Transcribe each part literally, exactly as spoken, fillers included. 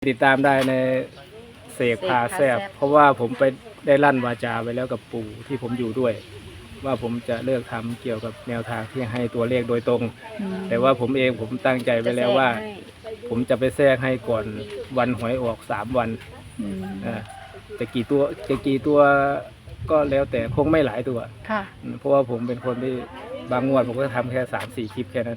ติดตามได้ในเสกพาแซบเพราะว่าผมไปได้ลั่นวาจาไว้แล้วกับปู่ที่ผมอยู่ด้วย ว่าผมจะเลิกทำเกี่ยวกับแนวทางที่ให้ตัวเลขโดยตรงแต่ว่าผมเองผมตั้งใจไว้แล้วว่า ผมจะไปแทรกให้ก่อนวันหวยออกสามวันอ่าจะกี่ตัวจะกี่ตัวก็แล้วแต่คงไม่หลายตัวค่ะเพราะว่าผมเป็นคนที่บางงวดผมก็ทำแค่สามสี่คลิปแค่นั้น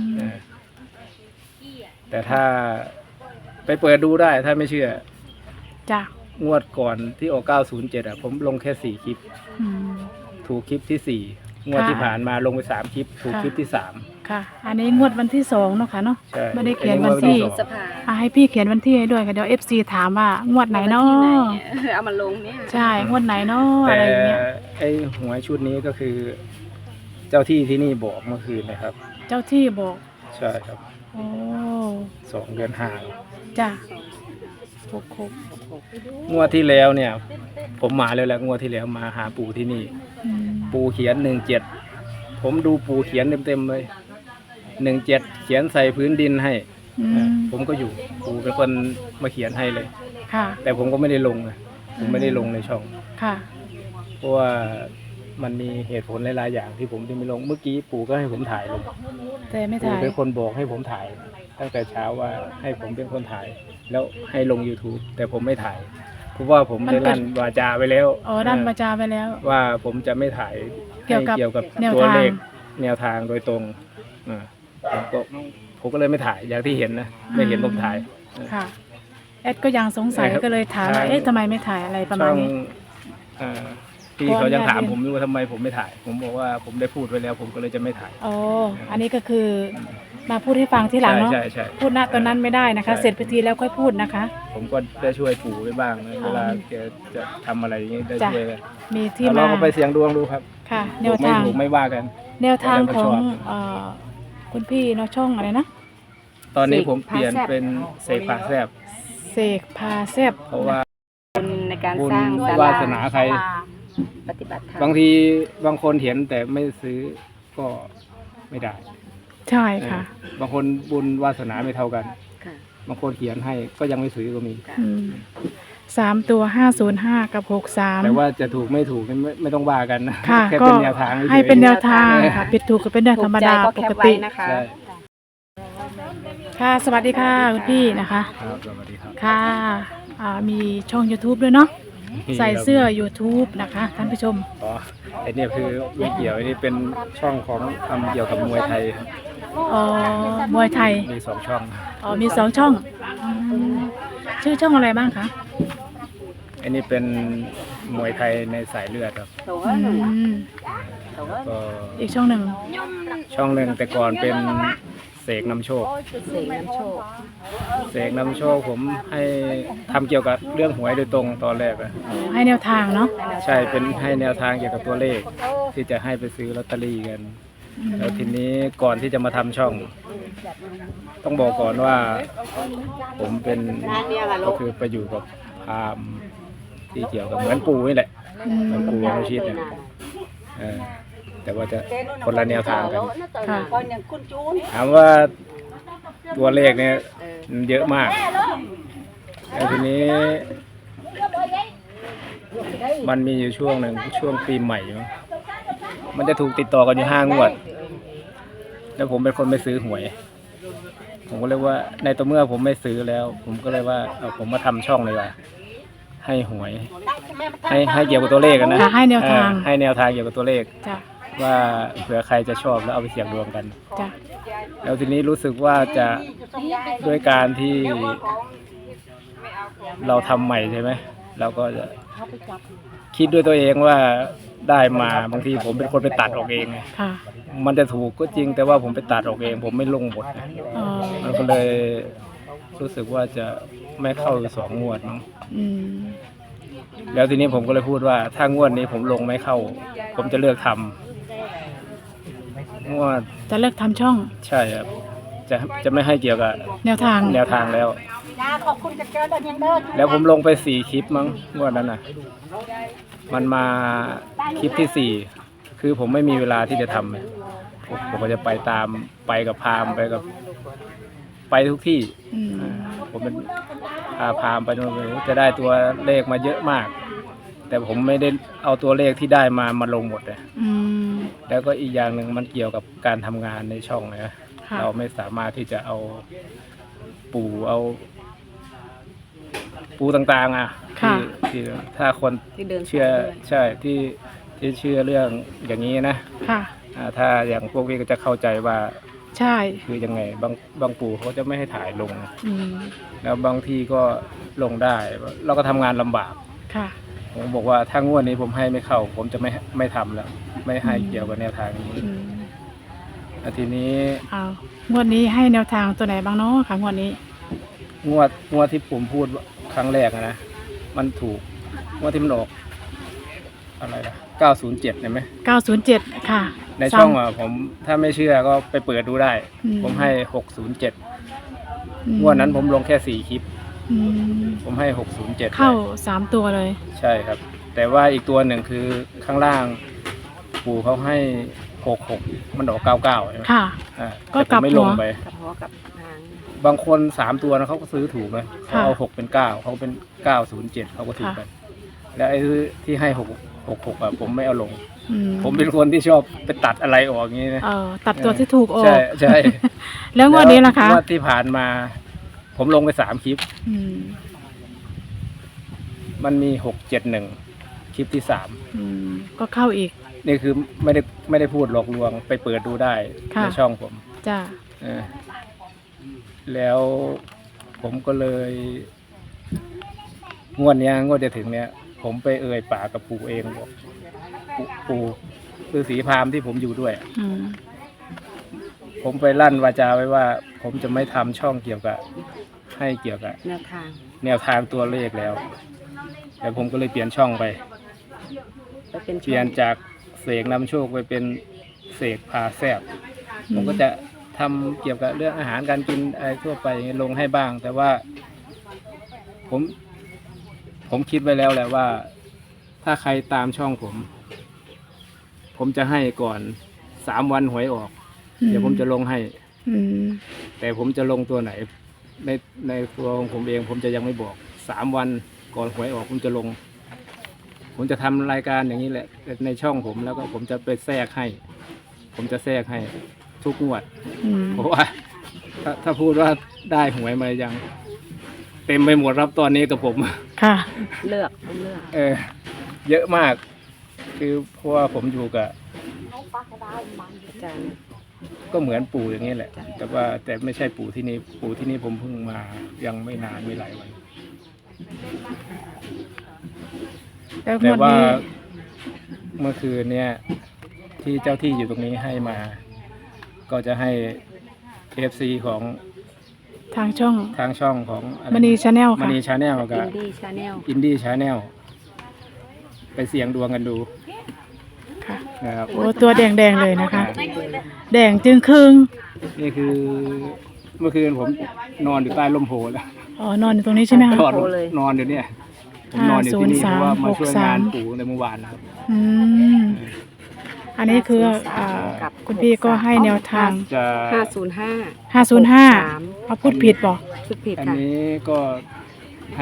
แต่ถ้าไปเปิดดูได้ถ้าไม่เชื่อจ้ะงวดก่อนที่ออกเก้าศูนย์เจ็ดอ่ะผมลงแค่สี่คลิปถูกคลิปที่สี่งวดที่ผ่านมาลงไปสามคลิปถูกคลิปที่สามค่ะอันนี้งวดวันที่สองเนาะค่ะเนาะไม่ได้เขียนวันที่ให้พี่เขียนวันที่ให้ด้วยค่ะเดี๋ยวเอฟซีถามว่างวดไหนเนาะเอามาลงเนี่ยใช่งวดไหนเนาะอะไรอย่างเงี้ยไอ้หวยชุดนี้ก็คือเจ้าที่ที่นี่บอกเมื่อคืนนะครับเจ้าที่บอกใช่ครับโอ้สองเดือนห่างจ้ะงวดที่แล้วเนี่ยผมมาเลยแหละงวดที่แล้วมาหาปู่ที่นี่ปู่เขียนหนึ่งเจ็ดผมดูปู่เขียนเต็มๆเลยหนึ่งเจ็ดเขียนใส่พื้นดินให้ผมก็อยู่ปู่เป็นคนมาเขียนให้เลยแต่ผมก็ไม่ได้ลงนะผมไม่ได้ลงในช่องเพราะว่ามันมีเหตุผลหลายๆอย่างที่ผมที่ไม่ลงเมื่อกี้ปู่ก็ให้ผมถ่ายลงแต่ไม่ถ่ายปู่เป็นคนบอกให้ผมถ่ายตั้งแต่เช้าว่าให้ผมเป็นคนถ่ายแล้วให้ลง YouTube แต่ผมไม่ถ่ายเพราะว่าผมได้ลั่นวาจาไปแล้วอ๋อลั่นวาจาไปแล้วว่าผมจะไม่ถ่ายเกี่ยวกับเกี่ยวกับตัวเลขแนวทางโดยตรงอ่าผมก็ผมก็เลยไม่ถ่ายอย่างที่เห็นนะไม่เห็นผมถ่ายค่ะแอดก็ยังสงสัยก็เลยถามว่าเอ๊ะทำไมไม่ถ่ายอะไรประมาณนี้พี่เขายังถามผมว่าทำไมผมไม่ถ่ายผมบอกว่าผมได้พูดไว้แล้วผมก็เลยจะไม่ถ่ายอ๋ออันนี้ก็คือมาพูดให้ฟังที่หลังเนาะพูดณตอนนั้นไม่ได้นะคะเสร็จพิธีแล้วค่อยพูดนะคะผมก็ได้ช่วยปู่ไว้บ้างเวลาแกจะทำอะไรอย่างนี้ได้ช่วยมีที่มาลองไปเสียงดวงดูครับค่ะแนวทางไม่ไม่ว่ากันแนวทางของคุณพี่เนาะช่องอะไรนะตอนนี้ผมเปลี่ยนเป็นเสกพาแซบเสกพาแซบเพราะว่าในการสร้างวาสนาใครปฏิบัติธรรมบางทีบางคนเห็นแต่ไม่ซื้อก็ไม่ได้ใช่ค่ะบางคนบุญวาสนาไม่เท่ากันบางคนเขียนให้ก็ยังไม่ซื้อก็มีสามตัวห้าศูนย์ห้ากับหกสามแต่ว่าจะถูกไม่ถูกไม่ไม่ต้องว่ากันนะแค่เป็นแนวทางให้เป็นแนวทางค่ะผิดถูกก็เป็นเรื่องธรรมดาปกตินะคะค่ะสวัสดีค่ะคุณพี่นะคะสวัสดีครับค่ะมีช่อง ยูทูบ ด้วยเนาะใส่เสื้อ ยูทูบ นะคะท่านผู้ชมอ๋อไอ้นี่คือไม่เกี่ยวไอ้นี่เป็นช่องของทำเกี่ยวกับมวยไทยอ๋อมวยไทยมีสองช่องอ๋อมีสองช่องชื่อช่องอะไรบ้างคะไอ้นี่เป็นมวยไทยในสายเลือดครับก็อีกช่องหนึ่งช่องหนึ่งแต่ก่อนเป็นเสกนำโชคเสกนำโชคเสกนำโชคผมให้ทำเกี่ยวกับเรื่องหวยโดยตรงตอนแรกอะให้แนวทางเนาะใช่เป็นให้แนวทางเกี่ยวกับตัวเลขที่จะให้ไปซื้อลอตเตอรี่กันแล้วทีนี้ก่อนที่จะมาทำช่องต้องบอกก่อนว่าผมเป็นก็คือไปอยู่กับพราหมณ์ที่เกี่ยวกับเหมือนปู่นี่แหละเหมือนปู่วชิตเนี่ยแต่ว่าจะคนละแนวทางกันถามว่าตัวเลขเนี่ยเยอะมากแต่ทีนี้มันมีอยู่ช่วงหนึ่งช่วงปีใหม่มันจะถูกติดต่อกันอยู่ห้างวดแล้วผมเป็นคนไม่ซื้อหวยผมก็เลยว่าในตัวเมื่อผมไม่ซื้อแล้วผมก็เลยว่าเอาผมมาทำช่องเลยว่าให้หวยให้ให้เกี่ยวกับตัวเลขกันนะให้แนวทางให้แนวทางเกี่ยวกับตัวเลขว่าเผื่อใครจะชอบแล้วเอาไปเสี่ยงดวงกันแล้วทีนี้รู้สึกว่าจะด้วยการที่เราทำใหม่ใช่ไหมเราก็จะคิดด้วยตัวเองว่าได้มาบางทีผมเป็นคนไปตัดออกเองมันจะถูกก็จริงแต่ว่าผมไปตัดออกเองผมไม่ลงบทมันก็เลยรู้สึกว่าจะไม่เข้าสองงวดมั้งแล้วทีนี้ผมก็เลยพูดว่าถ้างวดนี้ผมลงไม่เข้าผมจะเลิกทำงวดจะเลิกทำช่องใช่ครับจะจะไม่ให้เกี่ยวกับแนวทางแนวทางแล้วแล้วผมลงไปสี่คลิปมั้งงวดนั้นน่ะมันมาคลิปที่สี่คือผมไม่มีเวลาที่จะทำผมก็จะไปตามไปกับพราหมณ์ไปกับไปทุกที่ผมเป็นพาพามไปโน่นเลยจะได้ตัวเลขมาเยอะมาก แต่ผมไม่ได้เอาตัวเลขที่ได้มามาลงหมดเลยอืมแล้วก็อีกอย่างหนึ่งมันเกี่ยวกับการทำงานในช่องนะค่ะเราไม่สามารถที่จะเอาปู่เอาปูต่างๆอ่ะที่ที่ถ้าคนที่เดินเชื่อสายด้วยใช่ที่ที่เชื่อเรื่องอย่างนี้นะค่ะอ่าถ้าอย่างพวกนี้ก็จะเข้าใจว่าใช่คือยังไงบางบางปู่เขาจะไม่ให้ถ่ายลงอืมแล้วบางที่ก็ลงได้ เราก็ทำงานลำบากค่ะผมบอกว่าถ้างวดนี้ผมให้ไม่เข้า ผมจะไม่ไม่ทำแล้ว ไม่ให้เกี่ยวกับแนวทางนี้อืมแล้วทีนี้เอางวดนี้ให้แนวทางตัวไหนบ้างเนาะค่ะงวดนี้งวดงวดที่ผมพูดครั้งแรกอะนะมันถูกงวดที่มันออกอะไรนะเก้าศูนย์เจ็ดเห็นไหมเก้าศูนย์เจ็ด ค่ะในช่องอ่ะผมถ้าไม่เชื่อก็ไปเปิดดูได้อืมผมให้หกศูนย์เจ็ดอืมงวดนั้นผมลงแค่สี่คลิปอืมผมให้หกศูนย์เจ็ดเข้าสามตัวเลยใช่ครับ แต่ว่าอีกตัวหนึ่งคือข้างล่าง ปู่เขาให้หกหกมันออกเก้าเก้าใช่ไหมค่ะอ่าก็แต่ผมไม่กลัลบงหัวไปกับหัวกับหางบางคนสามตัวนะเขาก็ซื้อถูกนะเขาค่ะเอาหกเป็นเก้าเขาเป็นเก้าศูนย์เจ็ดเขาก็ถูกกันแล้วไอ้ที่ให้หกหกหกอ่ะผมไม่เอาลงอืมผมเป็นคนที่ชอบไปตัดอะไรออกอย่างนี้นะเออตัดตัวที่ถูกออกใช่ใช่แล้วงวดนี้ล่ะคะงวดที่ผ่านมา ผมลงไปสามคลิปอืมมันมีหกเจ็ดหนึ่งคลิปที่สามอืมก็เข้าอีกนี่คือไม่ได้ไม่ได้พูดหลอกลวงไปเปิดดูได้ค่ะในช่องผมจ้าเออแล้วผมก็เลย งวดเนี้ยงวดจะถึงเนี้ย ผมไปเอ่ยปากกับปู่เองบอกปู่ปู่คือสีพราหมณ์ที่ผมอยู่ด้วยอืมผมไปลั่นวาจาไว้ว่า ผมจะไม่ทำช่องเกี่ยวกับ ให้เกี่ยวกับแนวทางแนวทางตัวเลขแล้วแล้วผมก็เลยเปลี่ยนช่องไปไปเป็นเปลี่ยนจากเสกนำโชคไปเป็นเสกพาแซบผมก็จะทำเกี่ยวกับเรื่องอาหารการกินอะไรทั่วไปลงให้บ้าง แต่ว่า ผม ผมคิดไว้แล้วแหละว่า ถ้าใครตามช่องผม ผมจะให้ก่อนสามวันหวยออก เดี๋ยวผมจะลงให้อืมแต่ผมจะลงตัวไหน ในในตัวของผมเองผมจะยังไม่บอกสามวันก่อนหวยออกผมจะลง ผมจะทำรายการอย่างนี้แหละในช่องผมแล้วก็ผมจะไปแทรกให้ ผมจะแทรกให้ทุกงวดอืมเพราะว่า ถ้าถ้าพูดว่าได้หวยมายัง เต็มไปหมดรับตอนนี้กับผมค่ะเลือกต้องเลือกเออ เยอะมาก คือเพราะว่าผมอยู่กับอาจารย์ก็เหมือนปู่อย่างนี้แหละ แต่ว่าแต่ไม่ใช่ปู่ที่นี่ปู่ที่นี่ผมเพิ่งมายังไม่นานไม่หลายวันแล้วงแต่วดว่านี้เมื่อคืนเนี่ยที่เจ้าที่อยู่ตรงนี้ให้มา ก็จะให้ เอฟ ซี ของทางช่องทางช่องของอะไรมณีชาแนลมค่ะณีชาแนลกัอิบนดี้ชาแนลอินดี้ชาแนลไปเสี่ยงดวงกันดูค่ะนะครับโอ้ตัวแดงๆเลยนะคะ แดงจึงครึ่งนี่คือเมื่อคืนผมนอนอยู่ใต้ร่มโพแล้วอ๋อนอนอยู่ตรงนี้ใช่ไหมคะนอนนอนอยู่เนี่ยผมนอนอยู่ที่นี่ห้าศูนย์สามเพราะว่ามาช่วยงานหกสามปู่ในเมื่อวานนะครับอืม อันนี้คืออ่าคุณพี่ก็ให้แนวทางจะห้าศูนย์ห้าห้าศูนย์ห้าสามเขาพูดผิดบอกชุดผิดอันค่ะนี้ก็ให้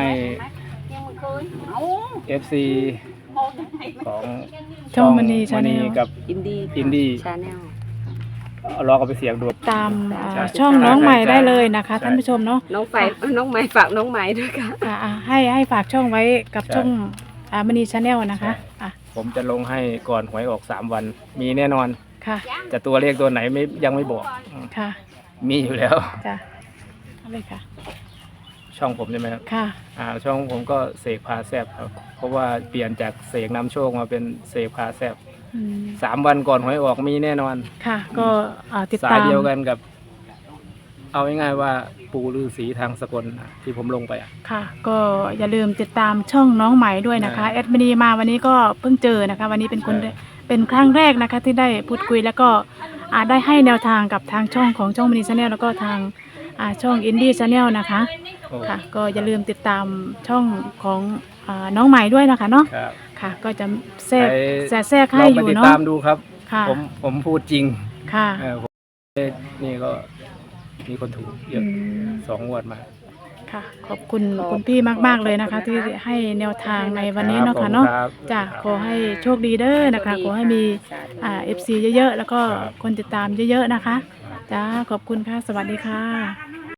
เอฟ ซี ของช่องมณีมชาแนณีลกับอินดี้อินดี้ชาแนลลองเอาไปเสียงดูตามอ่าใช่ช่องน้องใหม่ใช่ได้เลยนะคะใช่ท่านผู้ชมเนาะน้องไฟน้องไม้ฝากน้องไม้ด้วยค่ะอ่าอ่าให้ให้ฝากช่องไว้กับใช่ช่องอ่ามณีชาแนลนะคะอ่ะผมจะลงให้ก่อนหวยออกสามวัน มีแน่นอนค่ะแต่ตัวเลขตัวไหนไม่ยังไม่บอกอืมค่ะมีอยู่แล้วจ้ะเอาเลยค่ะช่องผมใช่ไหมครับค่ะอ่าช่องผมก็เสกพาแซบครับ เพราะว่าเปลี่ยนจากเสกนำโชคมาเป็นเสกพาแซบอืมสามวันก่อนหวยออกมีแน่นอนค่ะ ก็อ่าติดสาตาย มเดียวกันกับ เอาง่ายๆว่าปู่ฤาษีทางสกลที่ผมลงไปอ่ะค่ะ ก็อย่าลืมติดตามช่องน้องใหม่ด้วยนะคะใช่แอดมินีมาวันนี้ก็เพิ่งเจอนะคะ วันนี้เป็นคนใช่เป็นครั้งแรกนะคะ ที่ได้พูดคุยแล้วก็อ่าได้ให้แนวทางกับทางช่องของช่องมณีชาแนลแล้วก็ทางอ่าช่องอินดี้ชาแนลนะคะโอ้ค่ะ ก็อย่าลืมติดตามช่องของอ่าน้องใหม่ด้วยนะคะเนาะครับค่ะ ก็จะแทรกใครจะแทรกให้ลองอไปยู่ติดเนาะตามดูครับค่ะผมผมพูดจริงค่ะเออผมนี่ก็มีคนถูกเยอือะมสองงวดมาค่ะค่ะ ขอบคุณคุณพี่มากๆเลยนะคะ ที่ให้แนวทางในวันนี้เนาะค่ะเนาะครับจ้ะขอให้โชคดีเด้อนะคะ ขอให้มีอ่า เอฟ ซี เยอะๆ แล้วก็ครับคนติดตามเยอะๆนะคะจ้าขอบคุณค่ะ สวัสดีค่ะ